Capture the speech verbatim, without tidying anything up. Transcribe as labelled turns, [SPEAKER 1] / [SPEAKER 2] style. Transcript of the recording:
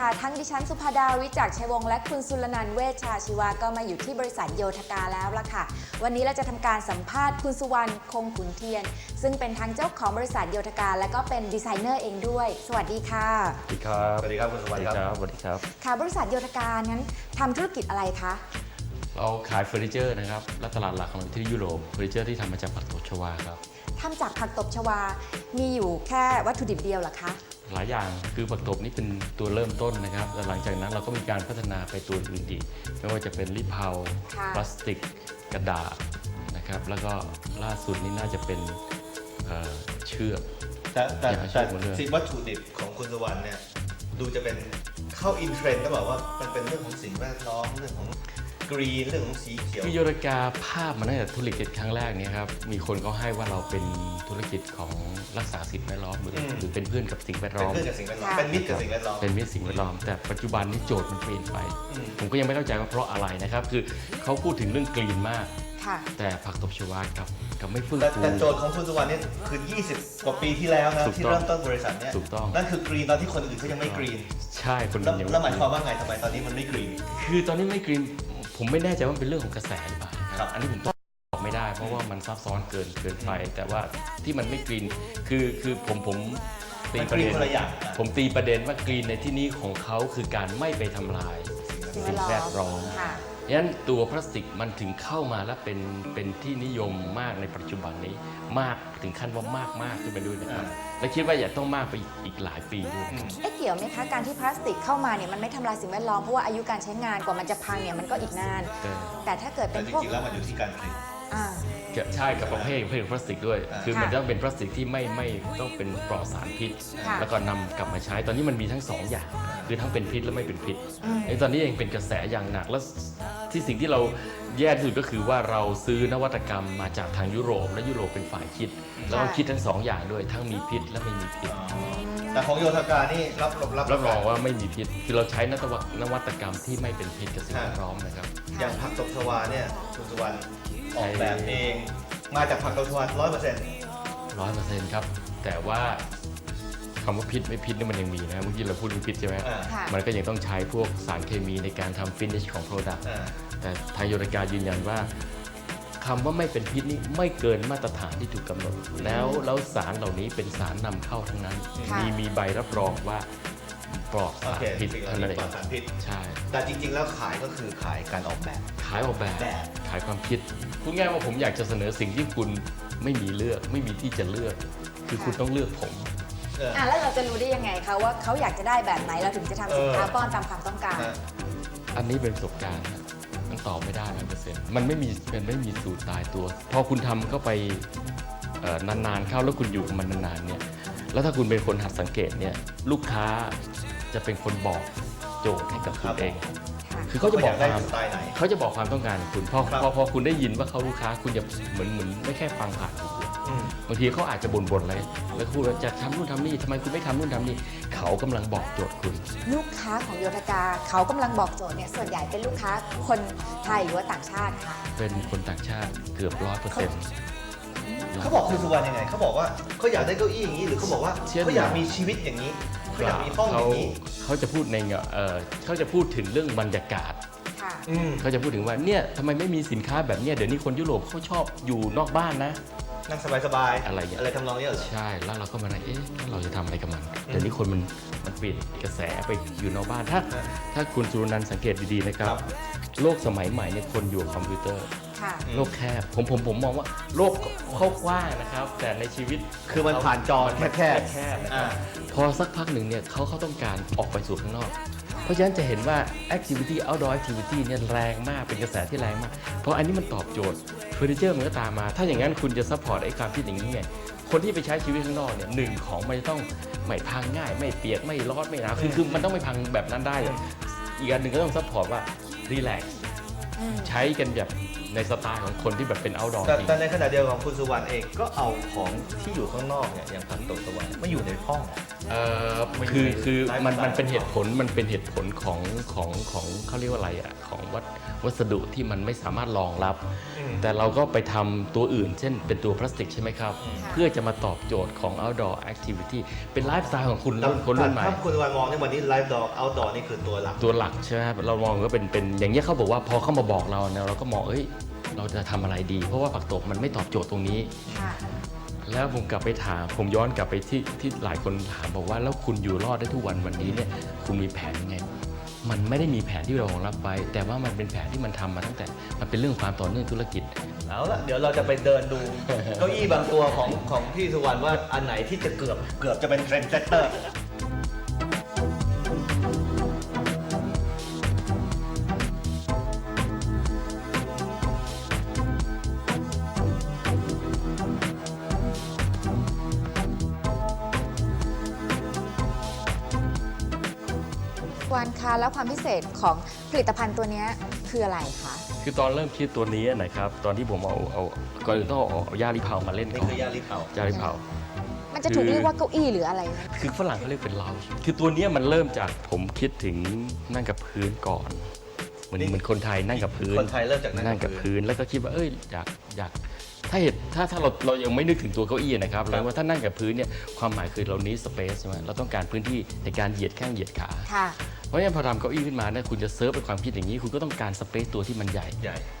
[SPEAKER 1] ค่ะทั้งดิฉันสุภาดาวิจักรชัยวงศ์และคุณสุรนันท์เวชชาชีวะก็มาอยู่ที่บริษัทโยธกาแล้วล่ะค่ะวันนี้เราจะทำการสัมภาษณ์คุณสุวรรณคงขุนเทียนซึ่งเป็นทั้งเจ้าของบริษัทโยธกาและก็เป็นดีไซเนอร์เองด้วยสวัสดีค่ะ
[SPEAKER 2] สวัสดีครับ
[SPEAKER 3] สวัสดีครับคุณสุวรรณครับ
[SPEAKER 2] สวัสดีครับ
[SPEAKER 1] ค่ะบริษัทโยธกานั้นทำธุรกิจอะไรคะ
[SPEAKER 2] เราขายเฟอร์นิเจอร์นะครับและตลาดหลักของเราที่ยุโรปเฟอร์นิเจอร์ที่ทำมาจากผักตบชวาครับ
[SPEAKER 1] ทำจากผักตบชวา มีอยู่แค่วัตถุดิบเดียวเหรอคะ
[SPEAKER 2] หลายอย่างคือผักตบนี่เป็นตัวเริ่มต้นนะครับแต่หลังจากนั้นเราก็มีการพัฒนาไปตัวอื่นอีกไม่ว่าจะเป็นลิปเผาพลาสติกกระดาษนะครับแล้วก็ล่าสุดนี่น่าจะเป็นเอ่อเชือก
[SPEAKER 3] แต่แต่แต่สิ่งวัตถุดิบของคุณสุวรรณเนี่ยดูจะเป็นเข้าอินเทรนด์ก็บอกว่ามันเป็นเรื่องของสิ่งแวดล้อมเรื่องของกรีนเรื่องของสีเขียว
[SPEAKER 2] คือโยธกาภาพมาตั้งแต่ธุรกิจครั้งแรกเนี่ยครับมีคนเขาให้ว่าเราเป็นธุรกิจของรักษาสิ่งแวดล้อมหรือหรือเป็นเพื่อนกับสิ่งแวดล้อม
[SPEAKER 3] เป็นเพื่อนกับสิ่งแวดล้อมเป็นมิตรกับสิ่งแวดล้อม
[SPEAKER 2] เป็นมิตรสิ่งแวดล้อมแต่ปัจจุบันนี้โจทย์มันเปลี่ยนไปผมก็ยังไม่เข้าใจว่าเพราะอะไรนะครับคือเขาพูดถึงเรื่องกรีนมากแต่ผักตบชวากับกับไม่ฟื้นฟู
[SPEAKER 3] แต่โจทย์ของคุณสุวรรณนี่คือยี่สิบกว่าปีที่แล้วนะที่เริ่มต้นบริษัทเนี่ยนั่นคือกรีนตอนที่คนอื่นเขายังไม่กรีน
[SPEAKER 2] ใช่คนอื่นยัง
[SPEAKER 3] แล้วหมายความว่าไงทำไมตอนนี้มันไม่กรีน
[SPEAKER 2] คือตอนนี้ไม่กรีนผมไม่แน่ใจว่าเป็นเรื่องของกระแสหรือเปล่าครับอันนี้ผมตอบไม่ได้เพราะว่ามันซับซ้อนเกินเกินไปแต่ว่าที่มันไม่กรีนคือคือผมผมตีประเด็นผมตีประเด็นว่ากรีนในที่นี้ของเขาคือการไม่ไปทำลายสิ่งแวดล้อมดังนั้นตัวพลาสติกมันถึงเข้ามาแล้วเป็นเป็นที่นิยมมากในปัจจุบันนี้มากถึงขั้นว่ามากมากขึ้นไปด้วยนะครับและคิดว่าอย่าต้องมากไปอีกหลายปีด้วย
[SPEAKER 1] เอ๊ะเกี่ยวไหมคะการที่พลาสติกเข้ามาเนี่ยมันไม่ทำลายสิ่งแวดล้อมเพราะว่าอายุการใช้งานกว่ามันจะพังเนี่ยมันก็อีกนานแต่ถ้าเกิดเป็นพวก
[SPEAKER 3] จริงๆแล้วมันอยู่ที่การผลิต
[SPEAKER 2] ใช่กับประเภทประเภทพลาสติกด้วยคือมันต้องเป็นพลาสติกที่ไม่ไม่ต้องเป็นปลอดสารพิษแล้วก็นำกลับมาใช้ตอนนี้มันมีทั้งสองอย่างคือทั้งเป็นพิษและไม่เป็นพิษไอ้ตอนนี้เองเป็นกระแสอย่างหนักแล้วที่สิ่งที่เราแย่ที่สุดก็คือว่าเราซื้อนวัตกรรมมาจากทางยุโรปและยุโรปเป็นฝ่ายคิดแล้วก็คิดทั้งสองอย่างด้วยทั้งมีพิษและไม่มีพิษ
[SPEAKER 3] แต่ของโยธกานี่รับ
[SPEAKER 2] รับรับรองว่าไม่มีพิษคือเราใช้นวัตกรรมที่ไม่เป็นพิษกับสิ่งแวดล้อมนะครับ
[SPEAKER 3] อย่างผักตบชวาเนี่ยคุณสุวรรณออกแบบเองมาจากผักตบชวาร้อยเปอร์เซ็นต์
[SPEAKER 2] ร้อยเปอร์เซ็นต์ครับแต่ว่าคำว่าพิษไม่พิษนี่มันยังมีนะเมื่อกี้เราพูดถึงพิษใช่ไหมมันก็ยังต้องใช้พวกสารเคมีในการทำฟินิชของโปรดักต์แต่ทางโยธกายืนยันว่าคำว่าไม่เป็นพิษนี่ไม่เกินมาตรฐานที่ถูกกำหนดแล้วแล้วสารเหล่านี้เป็นสารนำเข้าทั้งนั้นมีมีใบรับรองว่าปลอดสารพิษเท่านั้นเองใช่
[SPEAKER 3] แต่จริงๆแล้วขายก็คือขายการออกแบบ
[SPEAKER 2] ขายออกแบบขายความคิดพูดง่ายว่าผมอยากจะเสนอสิ่งที่คุณไม่มีเลือกไม่มีที่จะเลือกคือคุณต้องเลือกผม
[SPEAKER 1] อ่ะแล้วเราจะรู้ได้ยังไงคะว่าเขาอยากจะได้แบบไหนเราถึงจะทำสินค้าป้อนตามความต้องการ
[SPEAKER 2] อันนี้เป็นประสบการณ์มันตอบไม่ได้ร้อยเปอร์เซ็นต์มันไม่มีมันไม่มีสูตรตายตัวพอคุณทำเข้าไปนานๆเข้าแล้วคุณอยู่กับมันนานๆเนี่ยแล้วถ้าคุณเป็นคนหัดสังเกตเนี่ยลูกค้าจะเป็นคนบอกโจทย์ให้กับคุณเองคือเขาจะบอกความเขาจะบอกความต้องการของคุณพอพอพอคุณได้ยินว่าเขาลูกค้าคุณจะเหมือนเหมือนไม่แค่ฟังผ่านหูบางทีเขาอาจจะบ่นๆอะไรแล้วพูดว่าจะทำนู่นทำนี่ทำไมคุณไม่ทำนู่นทำนี่เขากำลังบอกโจทย์คุณ
[SPEAKER 1] ลูกค้าของโยธกาเขากำลังบอกโจทย์เนี่ยส่วนใหญ่เป็นลูกค้าคนไทยหรือว่าต่างชาติคะ
[SPEAKER 2] เป็นคนต่างชาติเกือบร้อยเปอร์เซ็นต์
[SPEAKER 3] เขาบอกคุณสุวรรณยังไงเขาบอกว่าเขาอยากได้เก้าอี้อย่างนี้หรือเขาบอกว่าเขาอยากมีชีวิตอย่างนี้เขาอยากมีห้องอย่างนี้
[SPEAKER 2] เขาจะพูดในเอ่อเขาจะพูดถึงเรื่องบรรยากาศเขาจะพูดถึงว่าเนี่ยทำไมไม่มีสินค้าแบบนี้เดี๋ยวนี้คนยุโรปเขาชอบอยู่นอกบ้านนะ
[SPEAKER 3] นั่งสบาย
[SPEAKER 2] ๆอะไรอย่าง
[SPEAKER 3] อะไรทำนองนี้เหรอ
[SPEAKER 2] ใช่แล้วเราก็มาเอ๊ะเราจะทำอะไรกับมันเดี๋ยวนี้คนมันมันเปลี่ยนกระแสไปอยู่นอกบ้านถ้าถ้าคุณสุรนันท์สังเกตดีๆนะครับโลกสมัยใหม่เนี่ยคนอยู่คอมพิวเตอร์โลกแคบผมผมผมมองว่าโลกเขากว้างนะครับแต่ในชีวิต
[SPEAKER 3] คือมันผ่านจอแคบแคบ
[SPEAKER 2] แคบพอสักพักหนึ่งเนี่ยเขาเขาต้องการออกไปสู่ข้างนอกเพราะฉะนั้นจะเห็นว่า activity outdoor activity เนี่ยแรงมากเป็นกระแสที่แรงมากเพราะอันนี้มันตอบโจทย์เฟอร์นิเจอร์มันก็ตามมาถ้าอย่างนั้นคุณจะซัพพอร์ตไอ้ความคิดอย่างนี้ไงคนที่ไปใช้ชีวิตข้างนอกเนี่ยหนึ่งของมันจะต้องไม่พังง่ายไม่เปียกไม่ร้อนไม่หนาวคือคือมันต้องไม่พังแบบนั้นได้อีกอันหนึ่งก็ต้องซัพพอร์ตว่ารีแลกซ์ใช้กันแบบในสไตล์ของคนที่แบบเป็น outdoor
[SPEAKER 3] แต่ในขณะเดียวกันคุณสุวรรณเองก็เอาของที่อยู่ข้างนอกเนี่ยอย่างผักตบชวาไม่อยู่ในห้อง
[SPEAKER 2] เอ่อคือคือมันมันเป็นเหตุผลมันเป็นเหตุผลของของของเขาเรียกว่าอะไรอ่ะของวัตวัสดุที่มันไม่สามารถรองรับ แต่เราก็ไปทำตัวอื่น เช่นเป็นตัวพลาสติกใช่ไหมครับ เพื่อจะมาตอบโจทย์ของ outdoor activity เป็นไลฟ์สไตล์ของคุณรุ่นคนรุ่นใหม่
[SPEAKER 3] ถ้าคุณวันมองในวันนี้ไลฟ์ดอร์เอาดอร์นี่คือตัวหลัก
[SPEAKER 2] ตัวหลักใช่ไหมครับเรามองก็เป็นเป็นอย่างเงี้ยเขาบอกว่าพอเข้ามาบอกเราเนี่ยเราก็มองเอ้ยเราจะทำอะไรดี เพราะว่าผักตบมันไม่ตอบโจทย์ตรงนี้
[SPEAKER 1] ค่ะ
[SPEAKER 2] แล้วผมกลับไปถามผมย้อนกลับไปที่ที่หลายคนถามบอกว่าแล้วคุณอยู่รอดได้ทุกวันวันนี้เนี่ยคุณมีแผนยังไง มันไม่ได้มีแผนที่เรารองรับไว้แต่ว่ามันเป็นแผนที่มันทำมาตั้งแต่มันเป็นเรื่องความต่อเนื่องธุรกิจ
[SPEAKER 3] เอาละเดี๋ยวเราจะไปเดินดู เก้าอี้บางตัวของของพี่สุวรรณว่าอันไหนที่จะเกือบเกือบจะเป็นเทรนด์เซตเตอร์
[SPEAKER 1] วันคะแล้วความพิเศษของผลิตภัณฑ์ตัวเนี้ยคืออะไรคะ
[SPEAKER 2] คือตอนเริ่มคิดตัวนี้นะครับตอนที่ผมเอาเอาก่อนอื่นต้องเอาเอาย่าลิเผามาเล่น
[SPEAKER 3] นี่
[SPEAKER 2] ก่อน
[SPEAKER 3] คือยาลิเผา
[SPEAKER 2] ย่าลิเผา
[SPEAKER 1] มันจะถูก
[SPEAKER 2] คือ
[SPEAKER 1] เรียกว่าเก้าอี้หรืออะไรนะ
[SPEAKER 2] คือฝรั่งเขาเรียกเป็นเลาคือตัวเนี้ยมันเริ่มจากผมคิดถึงนั่งกับพื้นก่อนเหมือนเหมือนคนไทยนั่งกับพื้น
[SPEAKER 3] คนไทยเริ่มจาก
[SPEAKER 2] นั่งกับพื้นแล้วก็คิดว่าเอ้ยอยากอยากถ้าเหตุถ้าถ้าเราเรายังไม่นึกถึงตัวเก้าอี้นะครับแล้วว่าถ้านั่งกับพื้นเนี่ยความหมายคือเรานี้สเปซใช่ไหมเราต้องการพื้นที่ในการเหยียดแข้งเหยียดขา
[SPEAKER 1] ค่ะ
[SPEAKER 2] เพราะฉะนั้นพอทำเก้าอี้ขึ้นมาเนี่ยคุณจะเซิร์ฟเป็นความคิดอย่างนี้ คุณก็ต้องการสเปซตัวที่มันใหญ่
[SPEAKER 3] ใหญ่